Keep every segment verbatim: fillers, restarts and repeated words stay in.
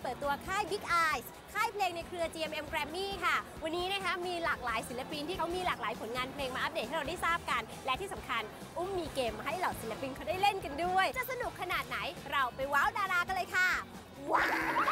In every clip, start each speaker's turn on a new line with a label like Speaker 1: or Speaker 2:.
Speaker 1: เปิดตัวค่าย Big Eyes ค่ายเพลงในเครือ จี เอ็ม เอ็ม Grammy ค่ะวันนี้นะคะมีหลากหลายศิลปินที่เขามีหลากหลายผลงานเพลงมาอัปเดตให้เราได้ทราบกันและที่สำคัญอุ้มมีเกมมาให้เหล่าศิลปินเขาได้เล่นกันด้วยจะสนุกขนาดไหนเราไปว้าวดารากันเลยค่ะว้าว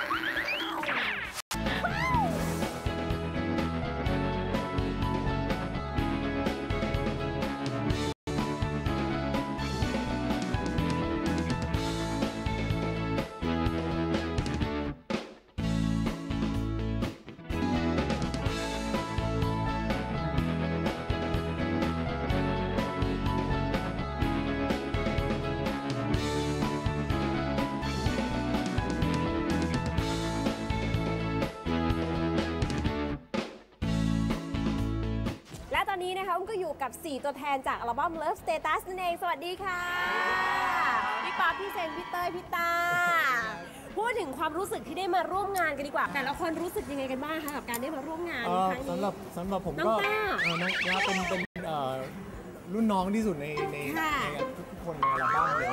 Speaker 1: ตอนนี้นะคะอุ้มก็อยู่กับสี่ตัวแทนจากอัลบั้ม Love Status นั่นเองสวัสดีค่ะพี่ป๊อปพี่เซนพี่เต้ยพี่ตาพูดถึงความรู้สึกที่ได้มาร่วมงานกันดีกว่าแต่ละคนรู้สึกยังไงกันบ้างคะกับการได้มาร่วมงานครั้งนี้
Speaker 2: สำหรับสำหรับผมก็น้องต้าเป็นเป็นรุ่นน้องที่สุดในในทุกคนในอัลบั้มเลย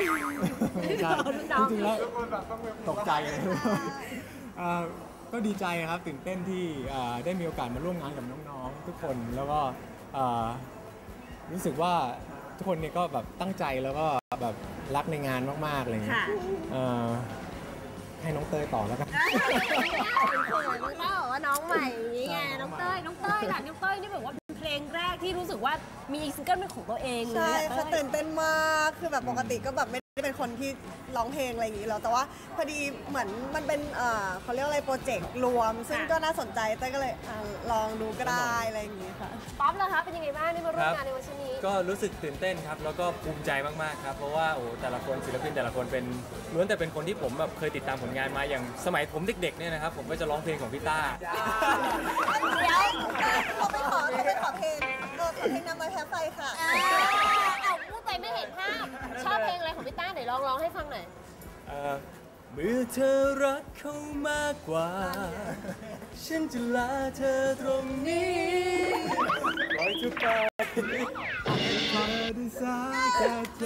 Speaker 2: จริงๆแล้วตกใจเลยก็ดีใจครับตื่นเต้นที่ได้มีโอกาสมาร่วมงานกับน้องๆทุกคนแล้วก็รู้สึกว่าทุกคนเนี่ยก็แบบตั้งใจแล้วก็แบบรักในงานมากๆอะไรเงี้ยให้น้องเต้ยต่อแล้วกัน
Speaker 1: เป็นคนน้องเต้ยบอกว่าน้องใหม่นี่ไงน้องเต้ยน้องเต้ยค่ะน้องเต้ยนี่แบบว่าเพลงแรกที่รู้สึกว่ามีซิงเกิลเป็นของตัวเอง
Speaker 3: ใช่เขาตื่นเต้นมากคือแบบปกติก็แบบไม่ได้เป็นคนที่ร้องเพลงอะไรอย่างนี้หรอกแต่ว่าพอดีเหมือนมันเป็นเขาเรียกอะไรโปรเจกต์รวมซึ่งก็น่าสนใจเต้ยก็เลยลองดูก็ได้อะไรอย่างนี้ค่ะ
Speaker 1: ป๊อปเหรอคะเป็นยังไงบ้างที่มาร่วมงานในวันนี้
Speaker 4: ก็รู้สึกตื่นเต้นครับแล้วก็ภูมิใจมากๆครับเพราะว่าโอ้แต่ละคนศิลปินแต่ละคนเป็นล้วนแต่เป็นคนที่ผมแบบเคยติดตามผลงานมาอย่างสมัยผมเด็กๆเนี่ยนะครับผมก็จะร้องเพลงของพี่ต้า
Speaker 3: เดี๋ยวเขาไปขอเขาไปขอเพลงเออขอเพลงนำมาแพ้ไฟค่ะ
Speaker 1: เอาพูดไปไม่เห็นภาพชอบเพลงอะไรของพี่ต้าไหนลองร้องให้ฟังหน่อย
Speaker 4: เมื่อเธอรักเขามากกว่าฉันจะลาเธอตรงนี้ปล่อยเธอไปพอได้สักแค่ใจ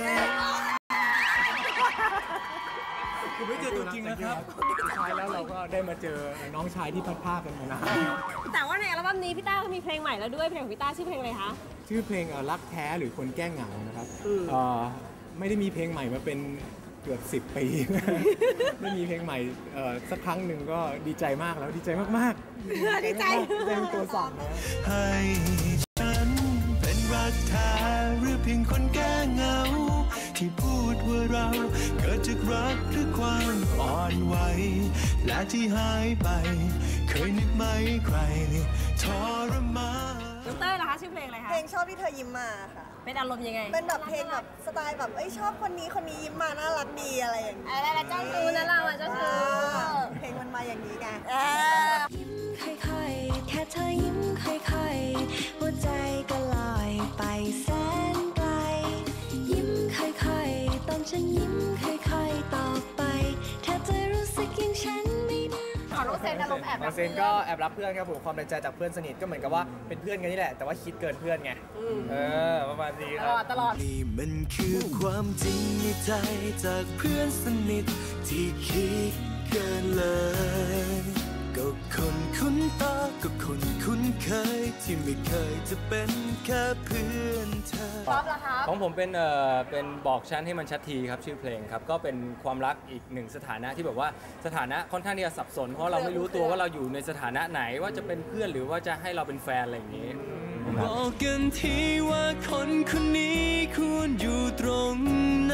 Speaker 4: คุณไม่เจอตัวจริงนะครับ
Speaker 2: สุดท้ายแล้วเราก็ได้มาเจอน้องชายที่พัดผ้ากันมานาน
Speaker 1: แต่ว่าในอัลบั้มนี้พี่ต้าก็มีเพลงใหม่แล้วด้วยเพลงของพี่ต้าชื่อเพลงอะไรคะ
Speaker 2: ชื่อเพลงรักแท้หรือคนแก้เหงานะครับไม่ได้มีเพลงใหม่มาเป็นเกือบสิบปีไม่มีเพลงใหม่สักครั้งหนึ่งก็ดีใจมากแล้วดีใจมาก
Speaker 1: ๆดีใจ
Speaker 2: เป็นตัวสั่นนะ
Speaker 5: ให้ฉันเป็นรักแท้หรือเพียงคนแก้เหงาที่พูดว่าเราเกิดจากรักหรือความอ่อนไหวและที่หายไปเคยนึกไหมใครทรมาน
Speaker 1: น้องเต้ยเหรอคะชื่อเพลงอะไรคะ
Speaker 3: เพลงชอบที่เธอยิ้มมาค่ะ
Speaker 1: เป็นอารมณ์ยังไง
Speaker 3: เป็นแบบเพลงแบบสไตล์แบบเอ้ยชอบคนนี้คนนี้ยิ้มมาน่ารักดีอะไรอย่างนี้
Speaker 1: อะไรแล้วเจ้าชู้นะเราอ่ะเจ้าชู้
Speaker 3: เพลงมันมาอย่างนี้ไง
Speaker 6: ยิ้มค่อยๆแค่เธอยิ้มค่อยๆหัวใจก็ลอยไปแสนไกลยิ้มค่อยๆตอนฉันยิ้มค่อยๆต่อไปเธอจะรู้สึกอย่างฉันไม่ได้
Speaker 1: ขอน้องเซนอารมณ์แอบ
Speaker 7: น้องเซนก็แอบรักเพื่อนครับผมความในใจจากเพื่อนสนิทก็เหมือนกับว่าเป็นเพื่อนกันนี่แหละแต่ว่าคิดเกินเพื่อนไงเออประมาณนี้ครับ
Speaker 1: ตลอดตลอด
Speaker 5: นี่มันคือความจริงในใจจากเพื่อนสนิทที่คิดเกินเลยก็คนคุ้นตาก็คนคุ้นเคยที่ไม่เคยจะเป็นแค่เพื่อนเธอ
Speaker 1: ป๊อปล่ะครับ
Speaker 4: ของผมเป็นเอ่อเป็นบอกฉันให้มันชัดทีครับชื่อเพลงครับก็เป็นความรักอีกหนึ่งสถานะที่แบบว่าสถานะค่อนข้างที่จะสับสนเพราะเราไม่รู้ตัวว่าเราอยู่ในสถานะไหนว่าจะเป็นเพื่อนหรือว่าจะให้เราเป็นแฟนอะไรอย่างนี้
Speaker 5: บอกกันทีว่าคนคนนี้ควรอยู่ตรงไหน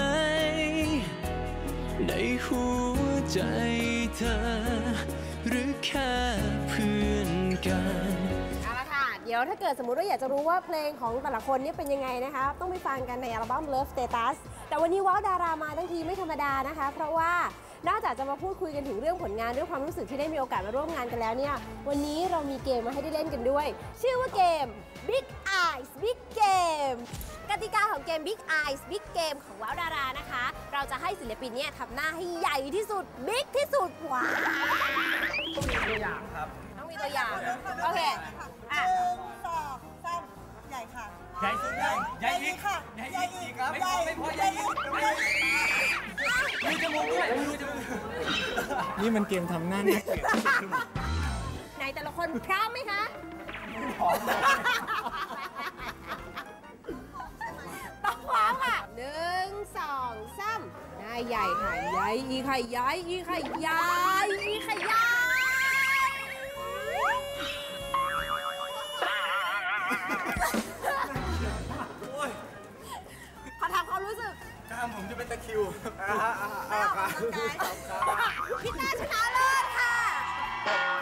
Speaker 5: ในหัวใจเธอหรือแค่เพื่อนกัน
Speaker 1: เอาละค่ะเดี๋ยวถ้าเกิดสมมุติว่าอยากจะรู้ว่าเพลงของแต่ละคนนี่เป็นยังไงนะคะต้องไปฟังกันในอัลบั้ม Love Status แต่วันนี้ว้าวดารามาทั้งทีไม่ธรรมดานะคะเพราะว่านอกจากจะมาพูดคุยกันถึงเรื่องผลงานเรื่องความรู้สึกที่ได้มีโอกาสมาร่วมงานกันแล้วเนี่ยวันนี้เรามีเกมมาให้ได้เล่นกันด้วยชื่อว่าเกม Big Eyes Big Game กติกาของเกม Big Eyes Big Game ของว้าวดารานะคะเราจะให้ศิลปินเนี่ยทำหน้าให้ใหญ่ที่สุดบิ๊กที่สุดว้าว
Speaker 7: ตัวอย่างครับ
Speaker 1: ต้องมีตัวอย่างโอเค
Speaker 3: อ่ะหนึ่งสองสามใหญ่ค่ะ
Speaker 7: ใหญ่สุดใหญ่ใหญ่อีก
Speaker 3: ค่ะ
Speaker 7: ใหญ่อีกครับไม่พอไม่พอใหญ่อีกมีจมูกด้วยมีจมูก
Speaker 2: นี่มันเกมทำหน้าน่าเกลียด
Speaker 1: ไหนแต่ละคนพร้อมไหมคะพร้อมต้องพร้อมค่ะหนึ่งสองสามนายใหญ่ค่ะใหญ่อีไข่ใหญ่อีไข่ใหญ่อีไข่ใหญ่ขอถามความรู้สึก
Speaker 2: กล้ามผมจะเป็นตะคริว
Speaker 3: ไม่ออกกำลังกาย
Speaker 1: พี่ต้าชนะเลิศค่ะ